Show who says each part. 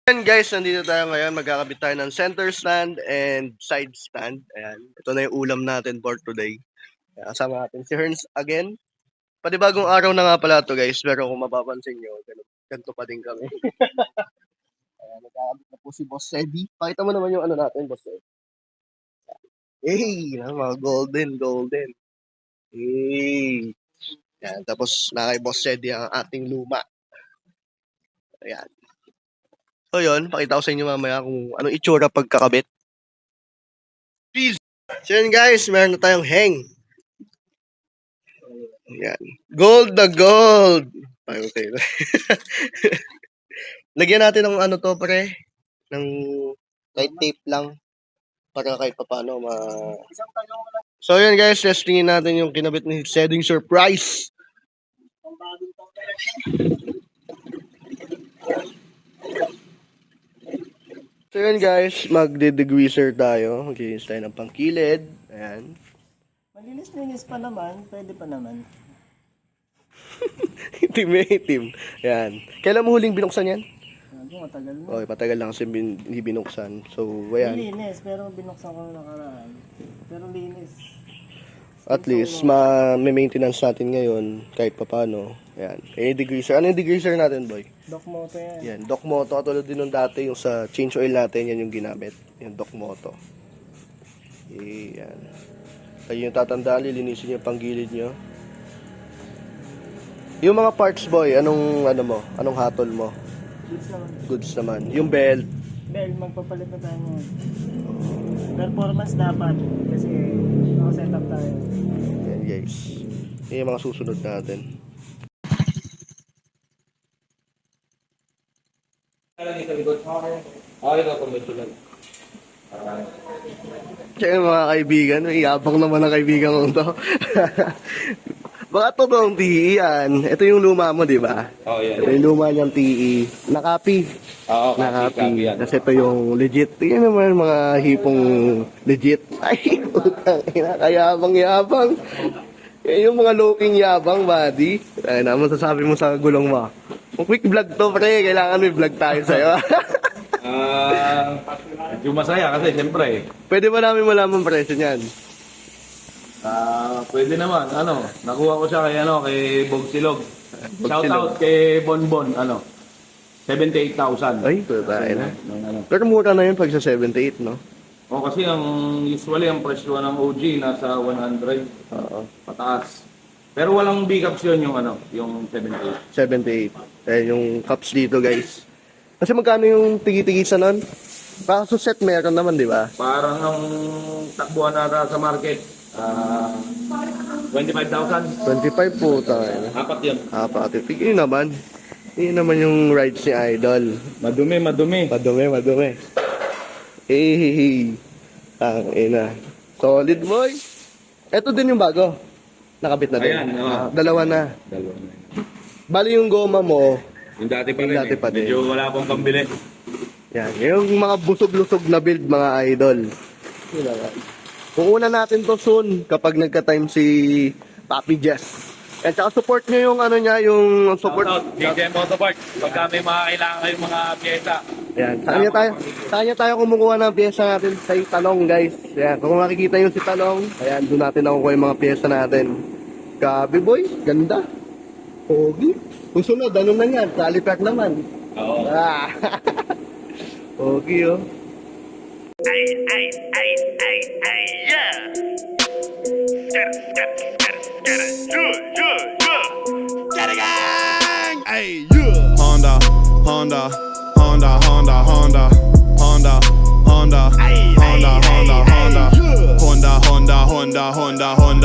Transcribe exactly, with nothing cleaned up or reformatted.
Speaker 1: Ayan guys, nandito tayo ngayon. Magkakabit tayo ng center stand and side stand. Ayan. Ito na yung ulam natin for today. Ayan, kasama natin si Herns again. Panibagong araw na nga pala to guys. Pero kung mapapansin nyo, ganito pa din kami. Ayan, nagkakabit na po si Boss Eddie. Pakita mo naman yung ano natin, Boss Eddie. Hey, mga golden, golden. Hey. Ayan, tapos na kay Boss Eddie ang ating luma. Ayan. So yun, pakita ko sa inyo mamaya kung anong itsura pagkakabit. Please! So yun guys, meron na tayong hang. Ayan. Gold na gold! Okay. Lagyan natin ng ano to pre, ng light tape lang para kahit paano ma... So yun guys, testingin natin yung kinabit ni Setting Surprise. So yun guys, magde-degreaser tayo. Maglinis tayo ng pangkilid. Ayan.
Speaker 2: Malinis-linis pa naman, pwede pa naman.
Speaker 1: Itim eh, itim. Ayan. Kailan mo huling binuksan yan?
Speaker 2: Ano, matagal na.
Speaker 1: Okay, patagal lang kasi bin, hindi binuksan. So, ayan.
Speaker 2: Linis, pero binuksan ko nakaraan. Pero linis.
Speaker 1: At least, ma-maintenance natin ngayon kahit papano. Ayan. Eh, degreaser. Ano yung degreaser natin, boy?
Speaker 2: Doc Moto yan.
Speaker 1: Yan, Doc Moto. Katulad din nung dati, yung sa change oil natin, yan yung ginamit. Yung Doc Moto. Ayan. Kayo yung tatandaan, lilinisin yung panggilid nyo. Yung mga parts, boy, anong, ano mo? Anong hatol mo?
Speaker 2: Goods naman.
Speaker 1: Goods naman. Yung belt.
Speaker 2: Bell, magpapalit na tayo ngayon. Performance dapat. Kasi nakasetup tayo.
Speaker 1: Yan, guys. Yan yung mga susunod natin. Kaya mga kaibigan, may yabang naman ang kaibigan ko to. Baka totoong T E yan. Ito yung luma mo, di ba?
Speaker 3: Oh, yeah.
Speaker 1: Ito yung luma niyang T E. Nakapi.
Speaker 3: Oo,
Speaker 1: Nakapi. Kasi ito yung legit. Tingnan naman mga hipong legit. Ay, utang ina, kayabang-yabang. Yan yung mga looking yabang, buddy. Ay, naman sasabi mo sa gulong mo. Kung quick vlog to, pre, kailangan may vlog tayo sa'yo.
Speaker 3: Ah, yung masaya kasi siyempre.
Speaker 1: Pwede ba namin malaman presyo niyan?
Speaker 3: Ah, pwede naman. Ano, nakuha ko siya kay ano, kay Bogsilog. Shout
Speaker 1: Bogsilog.
Speaker 3: out kay Bonbon, ano. seventy-eight thousand.
Speaker 1: Ay, tayo na.
Speaker 3: Ng ano.
Speaker 1: Pero mura na yun pag sa seventy-eight, no?
Speaker 3: O kasi ang usually ang presyo ng O G nasa one hundred
Speaker 1: Oo.
Speaker 3: pataas. Pero walang big-ups yun yung ano, yung seventy-eight.
Speaker 1: seventy-eight. Eh, yung cups dito, guys. Kasi magkano yung tigi-tigisa nun? Kaso set meron naman, di ba?
Speaker 3: Parang ang takbuhan nata sa market, ah, twenty-five thousand.
Speaker 1: twenty-five po tayo na.
Speaker 3: Apat yun.
Speaker 1: Apat. Yun naman. Yun naman yung rides ni Idol.
Speaker 3: Madumi, madumi.
Speaker 1: Madumi, madumi. Eh, hey, hey. Ang ina. Solid, boy. Ito din yung bago. Nakabit na din.
Speaker 3: Ayan, oo.
Speaker 1: Ah, dalawa na.
Speaker 3: Dalawa na yun.
Speaker 1: Bali yung goma mo,
Speaker 3: Yung dati pa
Speaker 1: Yung
Speaker 3: rin
Speaker 1: dati
Speaker 3: eh.
Speaker 1: pa din.
Speaker 3: Medyo wala akong pambili.
Speaker 1: yan. Yung mga busog-lusog na build, mga idol. Yun na nga. Kukunan natin to soon kapag nagka-time si Papi Jess. At saka support nyo yung ano niya, yung support.
Speaker 3: Shoutout, D J Motopark. Pagka may mga kailangan kayong mga pyesa.
Speaker 1: Yan. Saan niya tayo, saan niya tayo kumukuha ng pyesa natin sa Talong, guys. Yan. Kung makikita yung si Talong, ayan, doon natin nakukuha yung mga pyesa natin. Gabi, boy. Ganda. Pogi. Kung sunod, ano na yan? Caliper naman.
Speaker 3: Oo.
Speaker 1: Ah. Pogi, oh.
Speaker 4: Ay, ay, ay, ay, ay, yeah. Get it, get it, get it, get it, yeah, yeah, yeah. Get it, gang! Ay, yeah.
Speaker 5: Honda, Honda, Honda, Honda, Honda, Honda, Honda,
Speaker 4: Ay,
Speaker 5: Honda,
Speaker 4: ay,
Speaker 5: Honda,
Speaker 4: ay,
Speaker 5: Honda,
Speaker 4: ay, yeah.
Speaker 5: Honda, Honda, Honda, Honda, Honda.